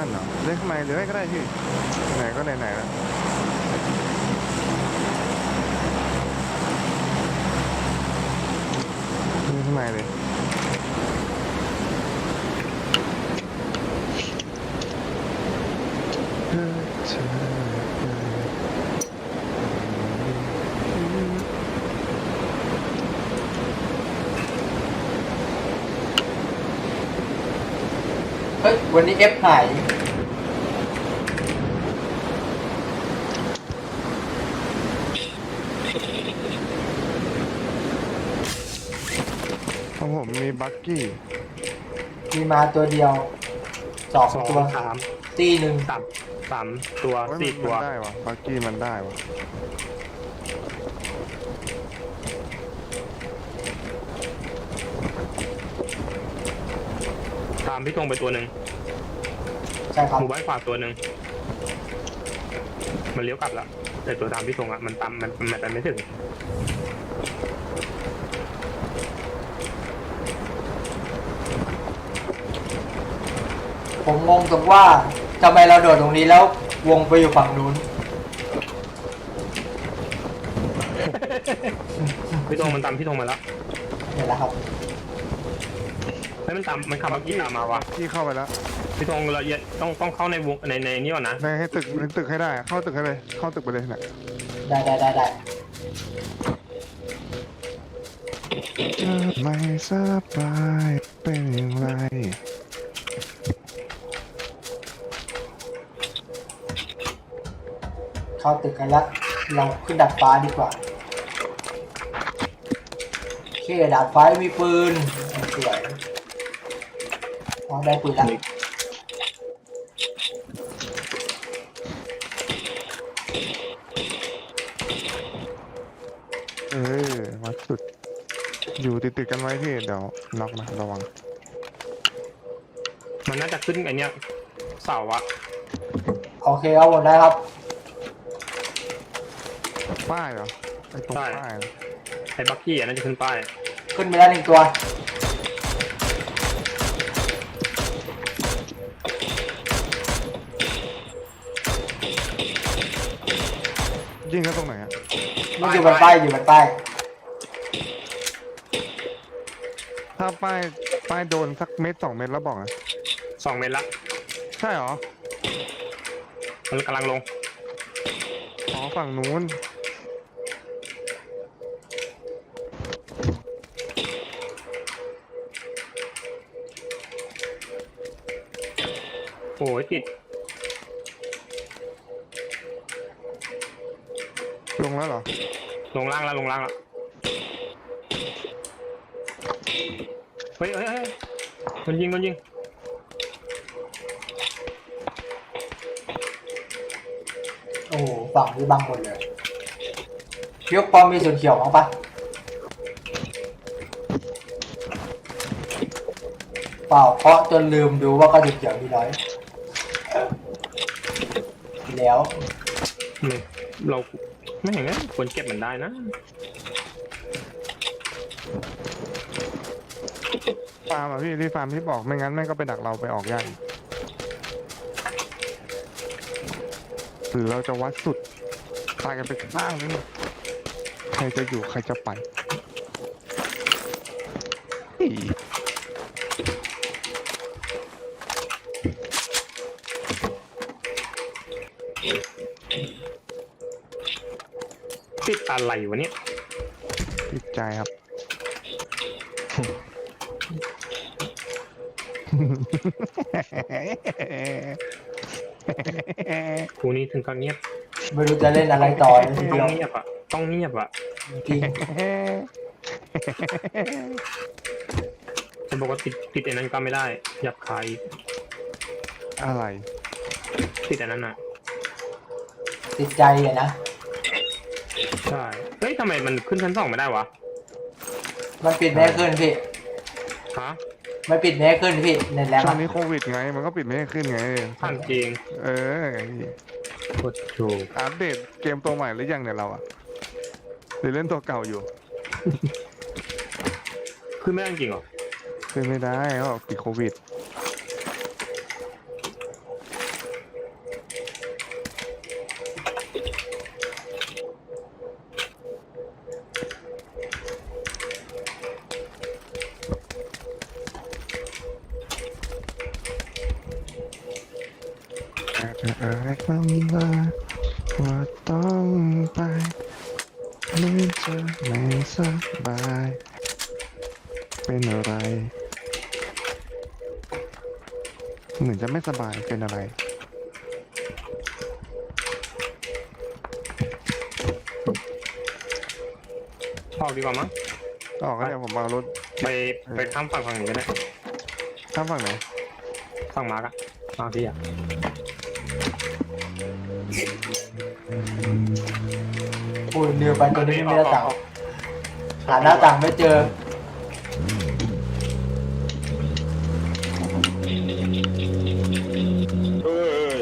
นั่นเหรอเล่นข้างในเลยก็ได้พี่ไหนก็ไหนแล้วเล่นข้างในเลยเฮ้ยวันนี้เอฟหายของผมมีบักกี้มีมาตัวเดียวสองสองตัวสามตีหนึ่งสามตัวโอ้ยสี่ตัวมันได้วะบักกี้มันได้วะตามพี่ตรงไปตัวหนึ่งใช่ครับหมู่บ้านขวาตัวหนึ่งมันเลี้ยวกลับแล้วแต่ตัวตามพี่ตรงอ่ะมันตามมันไปไม่ถึงผมงงตรงว่าทำไมเราโดดตรงนี้แล้ววงไปอยู่ฝั่งนู้นพี่ตรงมันตามพี่ตรงมาแล้วเห็นแล้วครับแล้วมันขับเมื่อกี้ตามมาวะที่เข้าไปแล้วพี่ตรงเราต้องเข้าในวงในนี้ก่อนนะในให้ตึกให้ได้อะเข้าตึกให้เลยเข้าตึกไปเลยนะได้ไม่สบายเป็นอย่างไรเข้าตึกกันแล้วเราขึ้นดัดฟ้าดีกว่าโอเคดาดฟ้ามีปืนสวยอ๋อได้ปืนแล้ววัดสุดอยู่ติดกันไว้พี่เดี๋ยวน็อกนะระวังมันน่าจะขึ้นไอเนี้ยเสาอะโอเคเอาหมดได้ครับป้ายเหรอไอ้ตรงป้ายเหรอไอ้บักกี้อ่ะน่าจะขึ้นป้ายขึ้นไปแล้วหนึ่งตัวยิงกันตรงไหนอะมันอยู่บนป้ายอยู่บนป้ายถ้าป้ายโดนสักเม็ด2 เม็ดแล้วบอกนะ 2 เมตรละใช่เหรอมันกำลังลงอ๋อฝั่งนู้นโอ้ยติดลงแล้วเหรอลงล่างแล้วเฮ้ยมันยิงโอ้โหฝั่งนี้บังหมดเลยพี่ยกปอมมีส่วนเขียวมั้งปะเปล่าเพราะจนลืมดูว่าก็จุดเขียวมีน้อยแล้วเราไม่เห็นงั้นควรเก็บมันได้นะฟาร์มอ่ะพี่ที่ฟาร์มที่บอกไม่งั้นแม่งก็ไปดักเราไปออกยากอีกหรือเราจะวัดสุดตายกันไปข้างนึงใครจะอยู่ใครจะไปอี๋ติดอะไรวะเนี่ยติดใจครับกูนี่ถึงกับเงียบไม่รู้จะเล่นอะไรต่อเลยทีต้เดีอยวงเงียบอ่ะต้องเงียบอ่ะจริงจะบอกว่าติดไอ้นั้นก็ไม่ได้หยับคายอะไรติดอันนั้นอ่ะติดใจอะนะใช่เฮ้ยทำไมมันขึ้นชั้น 2ไม่ได้วะมันปิดไม่ให้ขึ้นพี่ฮะมันปิดไม่ให้ขึ้นพี่เน็ตแล้วช่วอะงนี้โควิดไงมันก็ปิดไม่ให้ขึ้นไงท่านจริงเออพี่โคตรถูกอัปเดตเกมตัวใหม่หรือยังเนี่ยเราอะหรือเล่นตัวเก่าอยู่ขึ้นไม่ได้จริงเหรอขึ้นไม่ได้เขาบอกติดโควิดจะเอ่ยคำว่าต้องไปหรือจะไม่สบายเป็นอะไรเหมือนจะไม่สบายเป็นอะไรออกดีกว่ามั้งออกก็เดี๋ยวผมเอารถไปข้ามฝั่งนี้ก็ได้ข้ามฝั่งไหนฝั่งมาร์กอะมาพี่อะอุ้ยเรือไปตัวนี้ไม่ได้ต่างหาหน้าต่างไม่เจอเอ้ย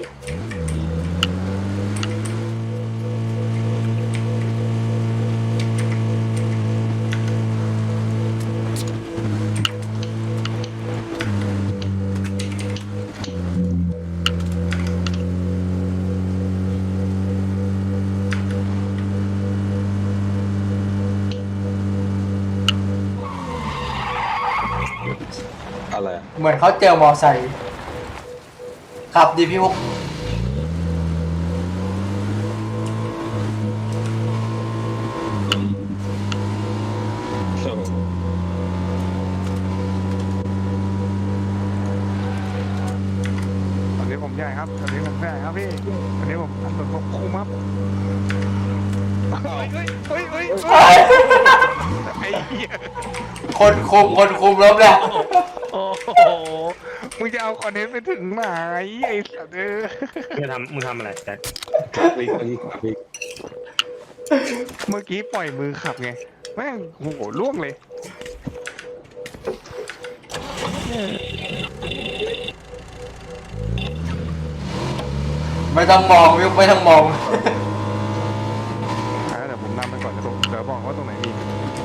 อะไรอะเหมือนเขาเจอมอไซค์ขับดีพี่ฮุกโอ้โหตอนนี้ผมใหญ่ครับตอนนี้ผมใหญ่ครับพี่ตอนนี้ผมถนนผมคุมครับเฮ้ยไอ้เหี้ยคนคุมล้มแล้วโอ้โหมึงจะเอาคอนเทนต์ไปถึงไหนไอ้สัตว์เออมึงทำอะไรแจ็ควิ่งวิ่งวิ่งเมื่อกี้ปล่อยมือขับไงแม่งโอ้โหล่วงเลยไม่ต้องมองพี่ฮุกไม่ต้องมองเดี๋ยวผมนำไปก่อนเดี๋ยวบอกว่าตรงไหนมี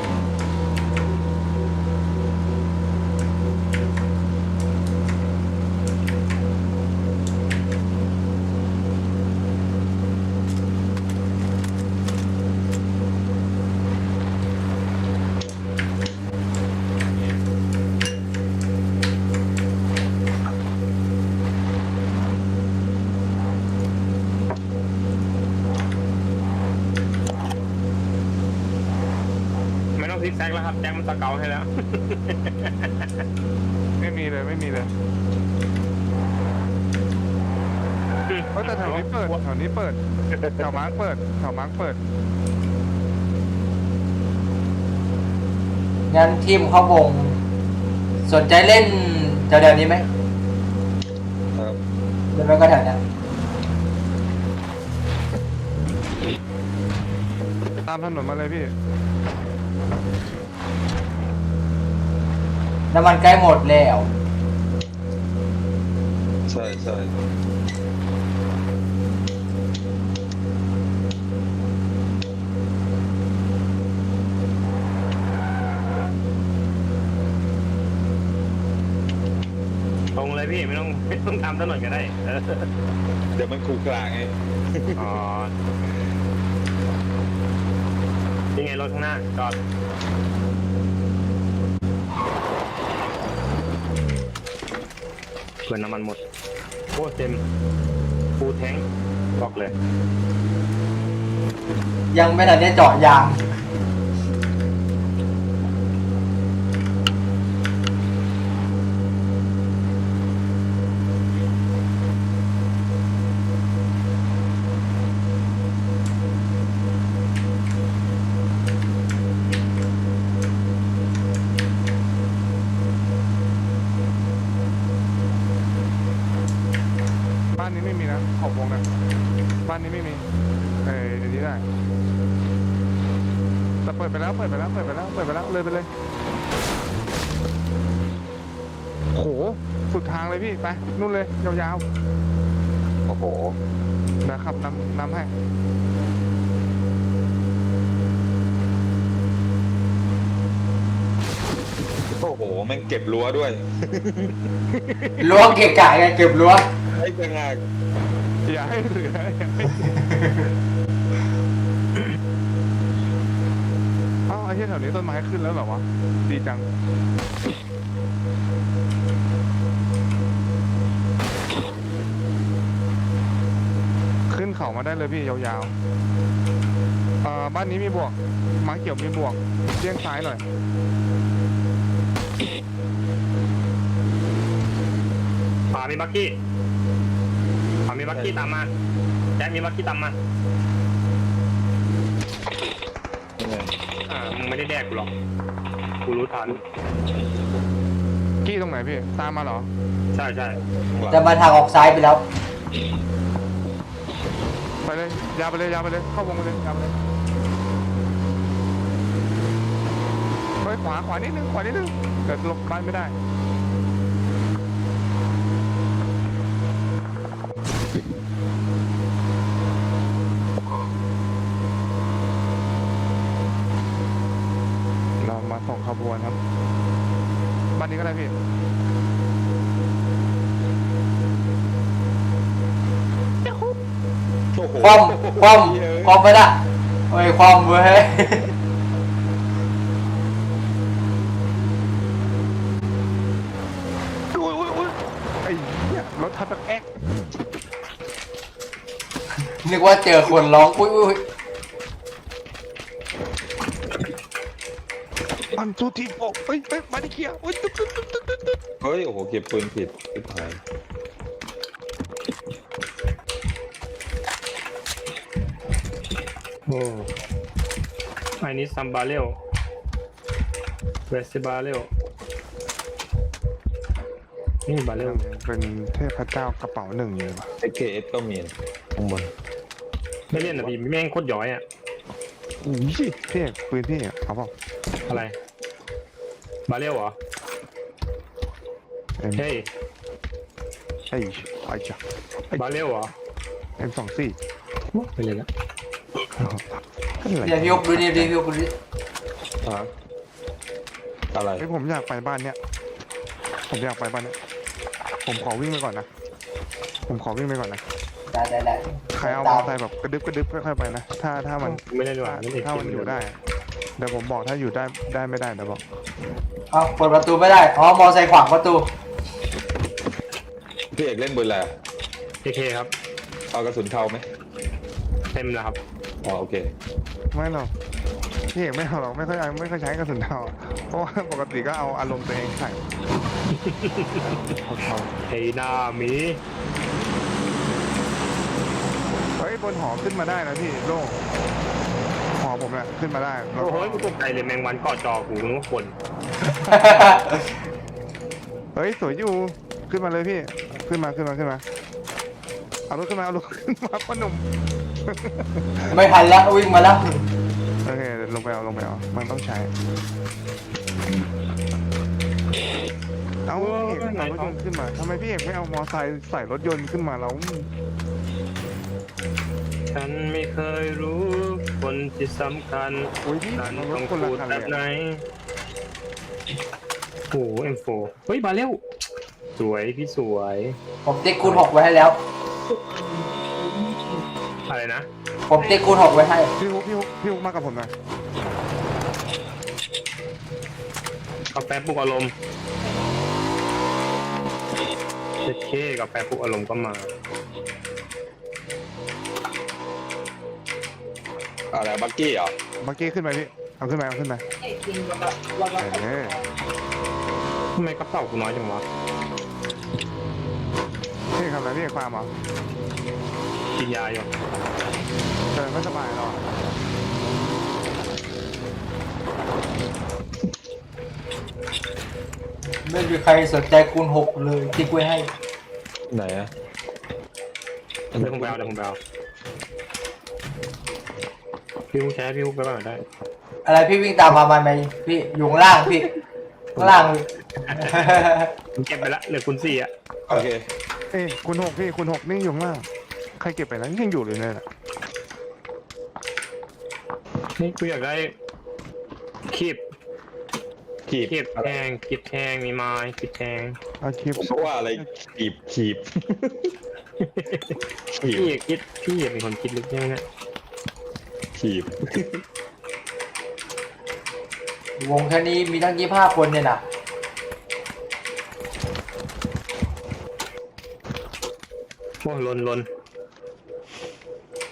ไม่ต้องซิกแซกแล้วครับแจ็คมันสเกลให้แล้วไม่มีเลยไม่มีเลยเพราะแต่แถวนี้เปิดแถวนี้เปิดแถวมาร์กเปิดแถวมาร์กเปิดงั้นทีมเข้าวง สนใจเล่นแถวๆนี้ไหมครับหรือไม่ก็แถวเนี้ยตามถนนมาเลยพี่น้ำมันใกล้หมดแล้วใช่ใช่ตรงเลยพี่ไม่ต้องทำถนนก็ได้เออเดี๋ยวมันขูกลางไงอ๋อยังไงรถข้างหน้าจอดเพื่อนน้ำมันหมดโอ้เต็มฟูลแทงค์บอกเลยยังไม่ทันได้เจาะยางบ้านนี้ไม่มีนะขอบวงนะบ้านนี้ไม่มีอันนี้ได้แต่เปิดไปแล้วเลยไปเลยโหสุดทางเลยพี่ไปนู่นเลยยาวโอ้โหๆนะขับนำให้โอ้โหแม่งเก็บรั้วด้วยรั้วเกะกะไงเก็บรั้วไอ้จังงากอย่าให้เหลืออ้าวไอ้ที่แถวนี้ต้นไม้ขึ้นแล้วเหรอวะดีจังเขามาได้เลยพี่ยาวๆบ้านนี้มีบวกม้าเขียวมีบวกเลี้ยงซ้ายหน่อยขวามีบักกี้ขวามีบักกี้ตามมาแจ็คมีบักกี้ตามมามึงไม่ได้แดกกูหรอกกูรู้ทันกี้ตรงไหนพี่ตามมาเหรอใช่ใช่จะมาทางออกซ้ายไปแล้วไปเลยยาวไปเลยยาวไปเลยเข้าวงไปเลยยาวไปเลยเฮ้ยขวานิดนึงขวานิดนึงเกิดหลบบ้านไม่ได้เรามาส่งขบวนครับบ้านนี้ก็ได้พี่โอ้โหความไปละโอ้ยความเว้ยอุ้ยไอ้เหี้ยรถทับแบบแอ๊กนึกว่าเจอคนร้องอุ้ยอันทูทีโฟเฮ้ยมาดิเคียอุ้ยตึ๊ดเฮ้ยโอ้โหเก็บปืนผิดผิดหายโอ้ไอ้นี่ซัมบาเรลเวสบาเรลนี่บาเรลเป็นเทพเจ้ากระเป๋าหนึ่งเลยป่ะ AKS ก็มีข้างบนไม่เล่นนะพี่แม่งโคตรย้อยอ่ะอุ้ยพี่เอกปืนพี่เอกเอาเปล่าอะไรบาเรลเหรอเอ็มเฮ้ยไอ้จ้ะบาเรลเหรอ M24 ไปเลยละเดี๋ยวพี่ยกดูดิพี่ยกดูดิอะไรไอ้ผมอยากไปบ้านเนี้ยผมอยากไปบ้านเนี้ยผมขอวิ่งไปก่อนนะผมขอวิ่งไปก่อนนะได้ใครเอามอเตอร์ไซค์แบบกระดึบค่อยๆไปนะถ้ามันไม่ได้ดีกว่าไม่ได้ถ้ามันอยู่ได้เดี๋ยวผมบอกถ้าอยู่ได้ไม่ได้เดี๋ยวบอกเอาเปิดประตูไม่ได้อ๋อมอไซค์ขวางประตูพี่เอกเล่นปืนอะไรเอเคครับเอากระสุนเข้าไหมเต็มแล้วครับอ๋อโอเคไม่หรอกพี่เอกไม่เอาหรอกไม่ค่อยใช้กระสุนเทาเพราะว่าปกติก็เอาอารมณ์ตัวเองใส่เขาไอ้หน้าหมีเฮ้ยบนหอขึ้นมาได้นะพี่โล่งหอผมเนี่ยขึ้นมาได้แล้วโอ้โหก็กูตกใจเลยแมงวันเกาะจอกูนึกว่าคนเฮ้ยสวยอยู่ขึ้นมาเลยพี่ขึ้นมาเอารถขึ้นมาพ่อหนุ่มไม่ทันแล้ววิ่งมาแล้วโอเคเดี๋ยวลงไปเอามันต้องใช้เอาพี่เอกเอารถยนต์ขึ้นมาทำไมพี่เอกไม่เอามอไซค์ใส่รถยนต์ขึ้นมาแล้วฉันไม่เคยรู้คนที่สำคัญโอ้ยพี่ฉันเอารต้ถองคนละพูดคันแบเลยบไหนโอ้เอ็มโฟเฮ้ยมาเร็วสวยพี่สวยผมติ๊กคูณ6ไว้ให้แล้วอะไรนะผมติ๊กคูณ6ไว้ให้พี่ฮุกมากับผมหน่อยกาแฟปลุกอารมณ์เจ็ดเคกาแฟปลุกอารมณ์ก็มาอะไรบักกี้เหรอเมื่อกี้ขึ้นไปพี่เอาขึ้นมาเออทำไมกระเป๋ากูน้อยจังวะพี่ทำอะไรพี่ความเหรอกินยาอยู่เดินไม่สบายหรอไม่มีใครสนใจคูณ6เลยติ๊กไว้ให้ไหนอะเดี๋ยวผมไปเอาพี่ฮุกใช้พี่ฮุกไปก่อนได้อะไรพี่วิ่งตามมาไหมพี่อยู่ข้างล่างพี่ข้างล่างเลยผมเก็บไปละเหลือคุณสี่อ่ะโอเคเอ้ยคุณหกพี่คุณหกนี่อยู่ข้างล่างใครเก็บไปแล้วยังอยู่เลยเนี่ยนี่กูอยากได้คีบขีบคีบแทงมีไม้คีบแทงเอาคลิปเพราะว่าอะไรขีบขีบพี่เป็นคนคิดลึกใช่ไหมเนี่ยขีบวงแค่นี้มีตั้ง25 คนเนี่ยนะโอ้ลน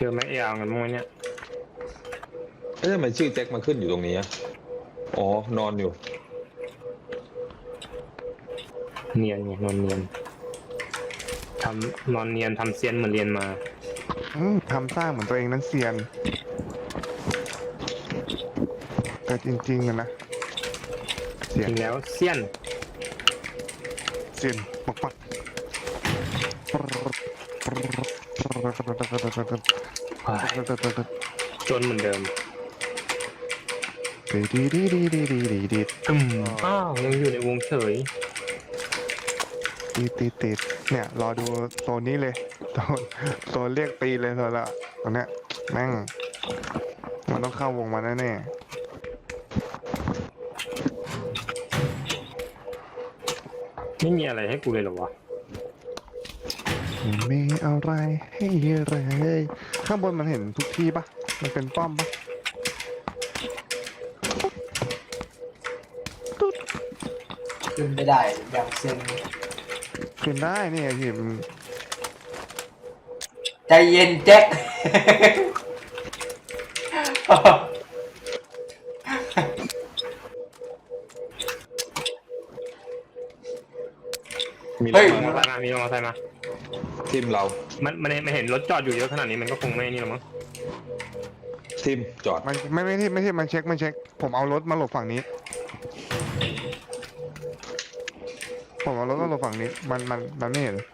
อแม็กยาวกันมั้งไหมเนี่ยเอ๊ะทำไมชื่อแจ็คมาขึ้นอยู่ตรงนี้อะอ๋อ นอนอยู่เนียนไงนอนเนียนทำนอนเนียนทำเซียนเหมือนเรียนมาทำสร้างเหมือนตัวเองนั้นเซียน แต่จริงๆอะนะเสีจยนริงแล้วเซียนเซียนปักปักจนเหมือนเดิมดีดีดีดีดีดีดีอ้าวยังอยู่ในวงเฉยติดเนี่ยรอดูโซนนี้เลยโซนเรียกตีเลยโซนละตอนเนี้ยแม่งมันต้องเข้าวงมาแน่ไม่มีอะไรให้กูเลยเหรอวะๆมีอะไรให้เลยข้างบนมันเห็นทุกที่ปะมันเป็นป้อมปะขึ้นไม่ได้อย่างเซ็งขึ้นได้นี่ไงพี่มันใจเย็นแจ็คมีรเฮ้ถยมอมาเตอร์ไซค์มามีมอเตอร์ไซค์มาทิมเรามันเห็นรถจอดอยู่เยอะขนาดนี้มันก็คงไม่นี่หรอกมั้งทิมจอดมันไม่ใช่มันเช็คผมเอารถมาหลบฝั่งนี้ผมเอารถมาหลบฝั่งนี้มันไม่เห็น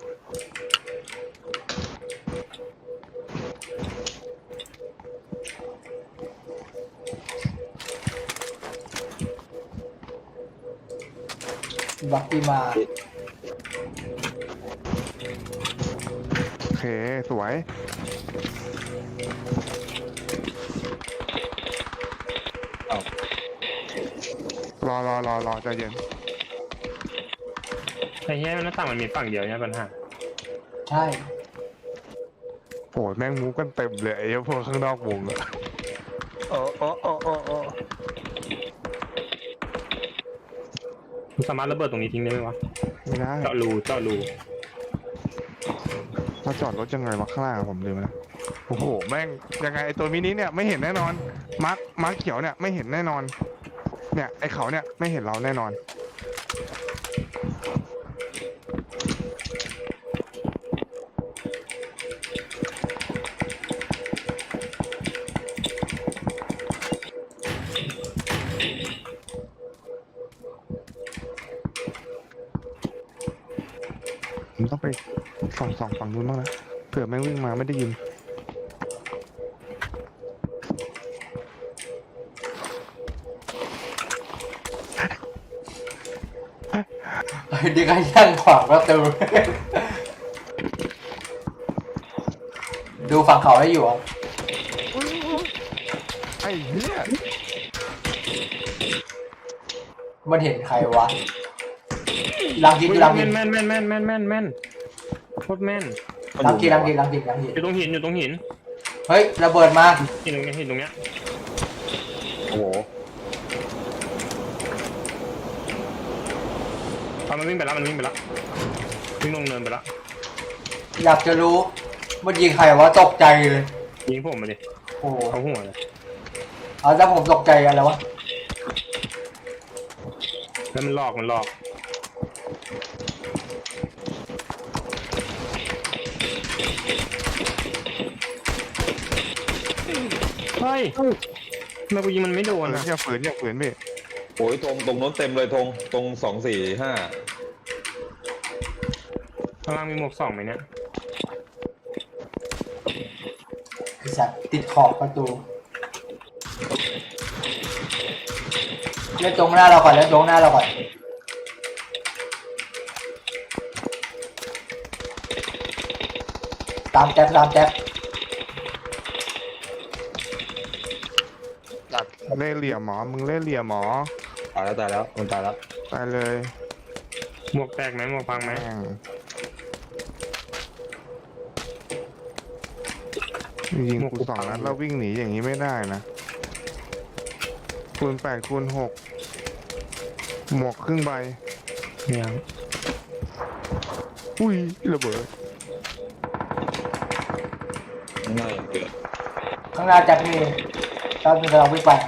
บักกี้มาโอเคสวยรอใจเย็นไอ้เหี้ยหน้าต่างมันมีฝั่งเดียวเนี่ยปัญหาใช่โอ้ยแม่งมูกันเต็มเลยไอ้พวกข้างนอกวงอะโอ้มึงสามารถระเบิดตรงนี้ทิ้งได้ไหมวะไม่ได้เจาะรูเราจอดรถยังไงวะข้างล่างอะผมลืมแล้วโอ้โหแม่งยังไงไอ้ตัวมินิเนี่ยไม่เห็นแน่นอนมาร์คเขียวเนี่ยไม่เห็นแน่นอนเนี่ยไอ้เขาเนี่ยไม่เห็นเราแน่นอนผมต้องไปส่องฝั่งนู้นบ้างนะเผื่อแม่งวิ่งมาไม่ได้ยินดีกันย่างขวางประตู ดูฝั่งเขาให้อยู่อ่ะไอ้เหี้ยมันเห็นใครวะลังกินลังกินแม่นโคตรแม่นลังกินอยู่ตรงหินเฮ้ยระเบิดมาหินตรงเนี้ยโอ้โหมันวิ่งไปแล้ววิ่งลงเนินไปแล้วอยากจะรู้มันยิงใครวะตกใจเลยยิงผมมาดิโอ้โหเขาหัวเลยเอาแล้วผมตกใจกันแล้ววะแล้วมันหลอกเฮ้ยทำไมกูยิงมันไม่โดนอะอย่าฝืนพี่โอ้ยตรงโน้นเต็มเลยตรง245 ข้างล่างมีหมวก2ไหมเนี่ยไอ้สัตว์ติดขอบประตูเล่นตรงหน้าเราก่อนตามแจ๊บเล่เหลี่ยมหมอมึงเล่เหลี่ยมหมอตายแล้วมันตายแล้วตายเลยหมวกแตกไหมหมวกพังไหมแม่งยิงกู2 นัดแล้ววิ่งหนีอย่างนี้ไม่ได้นะคูณ 8 คูณ 6หมวกครึ่งใบเนี่ยอุ้ยระเบิดข้างหน้ายังเกิดข้างหน้าจัดมีตอนนี้เราวิ่งไป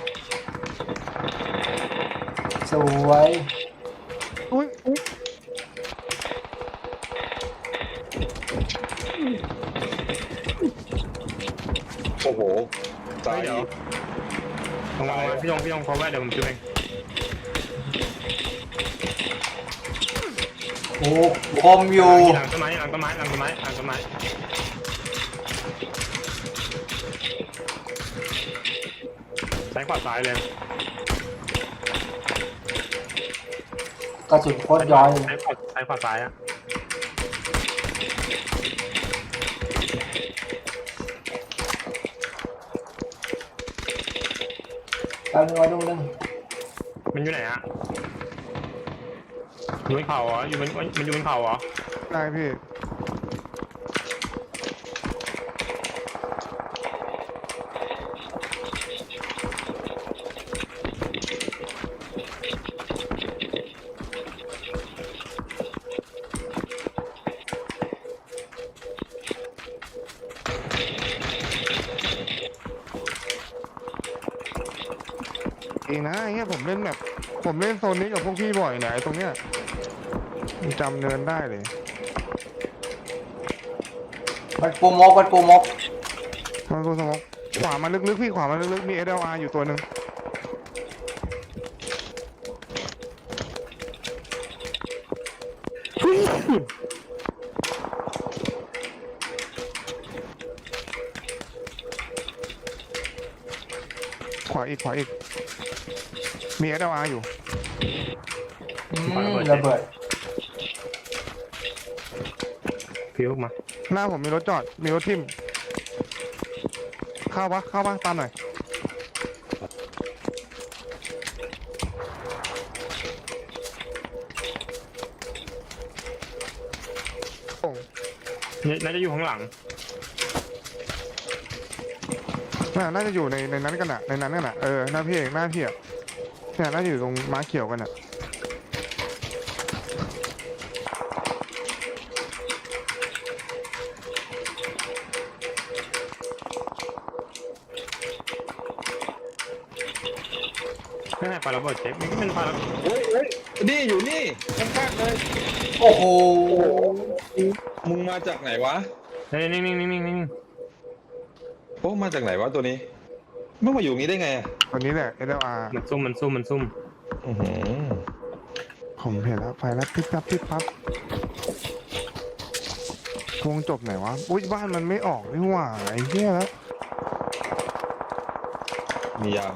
สวยอุ้ยอุ๊ยโอ้โหตายเดี๋ยวลงมาพี่ยงพอไว้เดี๋ยวผมช่วยเองโอ้คมอยู่หลังต้นไม้ซ้ายขวาซ้ายเลยกระสุนโคตรย้อยเลยซ้ายขวาซ้ายอะแป๊บนึงไว้ดูนึงมันอยู่ไหนอะอยู่บนเขาเหรอมันอยู่บนเขาเหรอได้พี่ เองนะไอ้เงี้ยผมเล่นแบบผมเล่นโซนนี้กับพวกพี่บ่อยเนี่ยไอ้ตรงเนี้ยผมจำเนินได้เลยมันปูมกมันปูมกมันกูสมองขวามาลึกๆพี่ขวามาลึกๆมี SLR อยู่ตัวหนึ่งขวาอีกมี SLR อยู่ระเบิดพิวมาหน้าผมมีรถจอดมีรถทิ่มเข้าปะตามหน่อยโอ้น่าจะอยู่ข้างหลังน่าจะอยู่ในนั้นกันอะในนั้นกันอะหน้าพี่เองหน้าพี่อะเนี่ยน่าจะอยู่ตรงม้าเขียวกันอะไม่ใช่ปลาระเบิดเช็คมันเป็นปลาระเบิดโอ้ยนี่อยู่นี่ข้างๆเลยโอ้โหมึงมาจากไหนวะนิ่งโอ้มาจากไหนวะตัวนี้มึงมาอยู่นี้ได้ไงอ่ะตัวนี้แหละ SLR มันซุ่มอื้อหือผมเห็นแล้วไฟแล้วปิ๊บปั๊บวงจบไหนวะอุ้ยบ้านมันไม่ออกนี่หว่าไอ้เหี้ยแล้วมียาม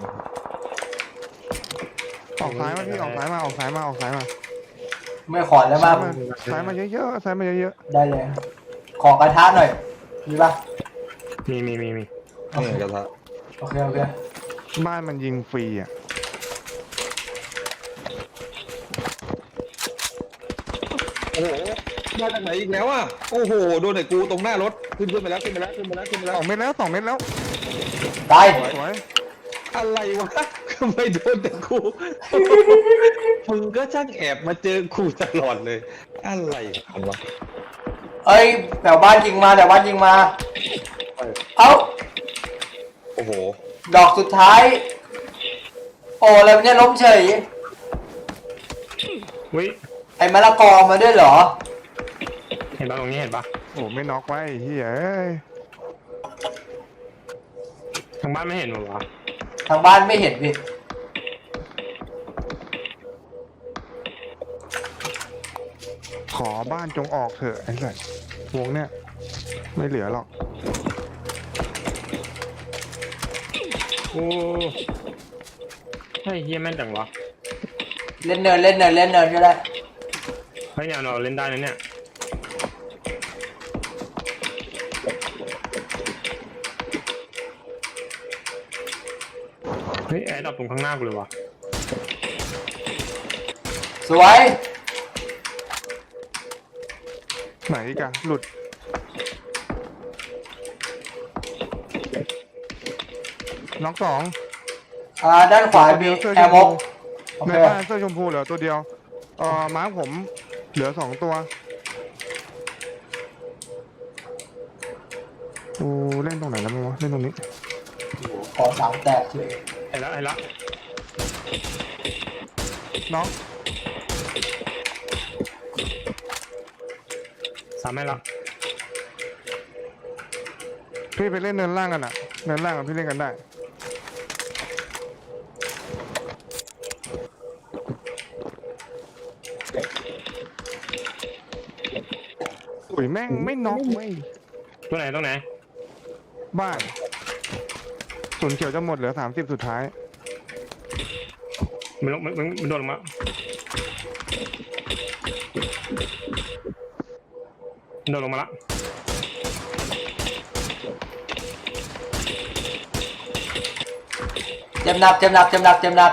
ออกซ้ายมาพี่ออกซ้ายมาไม่ขอแล้วมากซ้ายมาเยอะๆซ้ายมาเยอะได้เลย ขอกระทะหน่อยมีปะมีนี่กระทะโอเคๆบ้านมันยิงฟรีอ่ะโอ้โหมาจากไหนอีกแล้วอ่ะโอ้โหโดนไอ้กูตรงหน้ารถขึ้นไปแล้ว 2 เม็ดแล้วตายสวยอะไรวะทำไมโดนแต่กู มึงก็ช่างแอบมาเจอกูตลอดเลย อะไรกันวะเอ้ยแถวบ้านยิงมาเอ้าโอ้โหดอกสุดท้าย โอ้แล้วเนี่ยล้มเฉยวิไอ้มะละกอมาด้วยเหรอเห็นปะตรงนี้เห็นปะโอ้ไม่น็อกไว้ไอ้เหี้ยเอ้ยทางบ้านไม่เห็นหรอวะทางบ้านไม่เห็นพี่ขอบ้านจงออกเถอะไอ้สัสวงเนี่ยไม่เหลือหรอกโอ้เฮ้ยเฮียแม่นจังวะเล่นเนินก็ได้เฮ้ยเนี่ยเราเล่นได้นะเนี่ยเฮ้ยแอร์ดับตรงข้างหน้ากูเลยวะสวยไหนอีกันหลุดน็อก2 ด้านขวามีแอร์มกโอในเคบ้านเสื้อชมพูเหลือตัวเดียวม้าผมเหลือ2 ตัวกูเล่นตรงไหนแล้วมั้งวะเล่นตรงนี้โอ้โหขอสามแตกเลยไอ้ละน้องสามให้ละพี่ไปเล่นเนินล่างกันอ่ะเนินล่างกับพี่เล่นกันได้อุ้ยแม่งไม่น็อกเว้ยตรงไหนบ้านศูนย์เขียวจะหมดเหลือ30สุดท้ายมันโดนลงมาโดนลงมาละเจ็บหนักเจ็บหนักเจ็บหนักเจ็บหนัก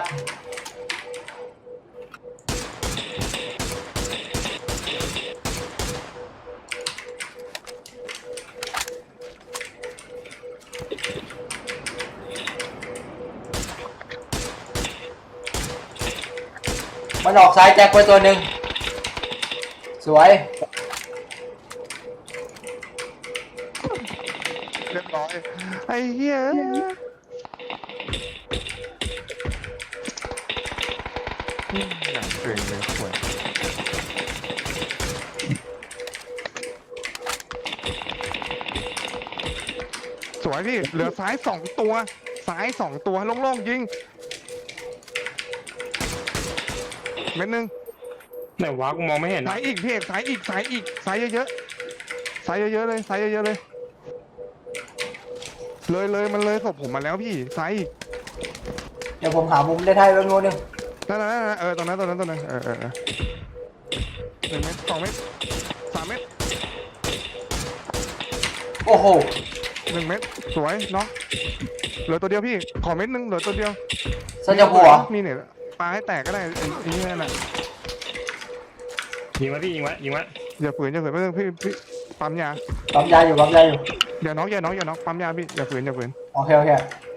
มันออกซ้ายแจ็คไปตัวหนึ่งสวยเรียบร้อยไอ้เหี้ยอย่างเก่งเลยสวยสวยพี่เหลือซ้าย2 ตัวซ้าย2 ตัวโล่งๆยิงเม็ดหนึ่งไหนวะกูมองไม่เห็นซ้านะยอีกพี่เอกซ้ายอีกซ้ายอีกซ้ายเยอะๆซ้ายเยอะๆเลยซ้ายเยอะๆเลยเลยมันเลยศพผมมาแล้วพี่ซ้ายอีกเดี๋ยวผมหามุมได้ให้แป๊บนึงนั่นตรงนั้น1 เม็ด2 เม็ด3 เม็ดโอ้โห 1 เม็ดสวยเนาะเหลือตัวเดียวพี่ขอเม็ดนึงเหลือตัวเดียวสัญญาหัวมีเนี่ยปลาให้แตกก็ได้ไอ้นี่นั่นน่ะยิงไว้พี่ยิงไว้อย่าฝืนไม่ต้องพี่ปั๊มยาปั๊มยาอยู่ปั๊มยาอยู่อย่าน็อกปั๊มยาพี่อย่าฝืนโอเคโอเค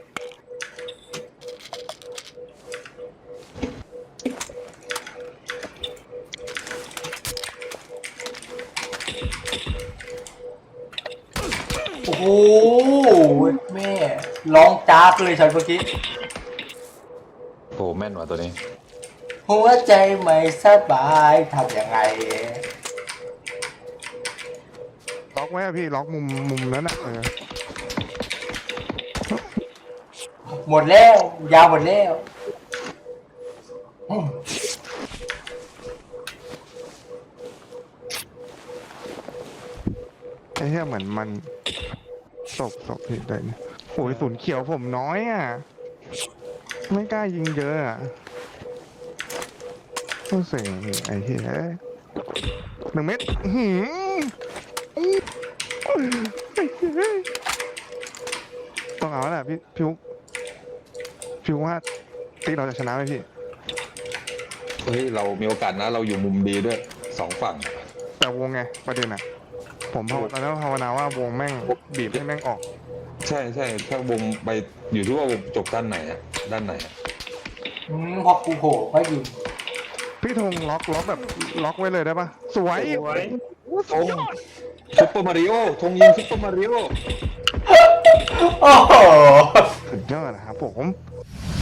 โอ้โหแม่ร้องจ้ากเลยฉันเมื่อกี้โอ้แม่นว่ะตัวนี้หัวใจไม่สบายทำยังไงล็อกไว้อะพี่ล็อกมุมนั้นน่ะหมดแล้วยาวหมดแล้วอืมไอ้เหี้ยเหมือนมันศพพี่ได้เนี่ยโอ้ยศูนย์เขียวผมน้อยอ่ะไม่กล้ายิงเยอะอ่ะต้องเสียงพี่ไอ้เหี้ย1 เม็ดหืมต้องเอาแหละพี่พิวว่าตีเราจะชนะไหมพี่เฮ้ยเรามีโอกาสนะเราอยู่มุมดีด้วย2 ฝั่งแต่วงไงประเด็นอ่ะผมตอนนั้นภาวนาว่าวงแม่งบีบให้แม่งออกใช่ถ้าวงไปอยู่ที่ว่าวงจบด้านไหนอะด้านไหนอะพอกูโผล่ก็ยิงพี่ธงล็อกแบบล็อกไว้เลยได้ปะสวยธงซุปเปอร์มาริโอธงยิงซุปเปอร์มาริโอโอ้โหสุดยอดนะครับผม